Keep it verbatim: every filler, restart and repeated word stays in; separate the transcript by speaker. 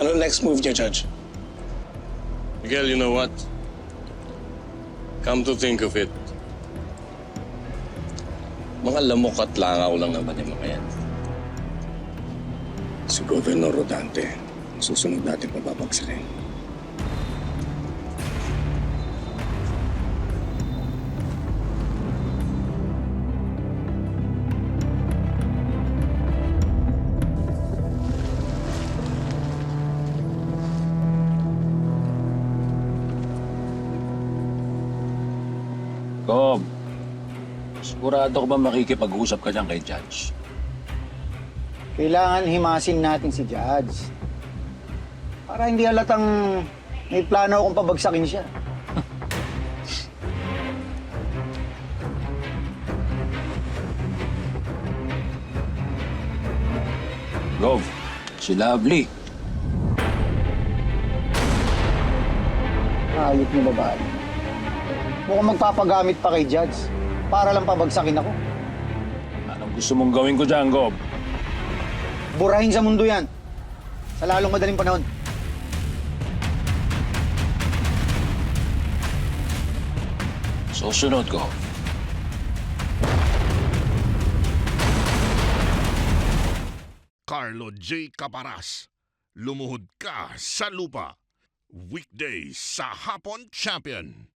Speaker 1: Ano next move niya, Judge?
Speaker 2: Miguel, you know what? Come to think of it, mga lamok at langaw lang naman yung mga yan.
Speaker 1: Si Governor Rodante, susunod natin pababagsakin.
Speaker 3: Gob, sigurado ko ba makikipag-usap ka dyan kay Judge?
Speaker 4: Kailangan himasin natin si Judge. Para hindi halatang may plano akong pabagsakin siya.
Speaker 3: Gob, si Lovely.
Speaker 4: Ayot mo babae. Mukhang magpapagamit pa kay Judge para lang pabagsakin ako.
Speaker 3: Anong gusto mong gawin ko dyan, Gob?
Speaker 4: Burahin sa mundo yan. Sa lalong madaling panahon.
Speaker 3: Susunod ko.
Speaker 5: Carlo J. Caparas, lumuhod ka sa lupa. Weekdays sa Hapon Champion.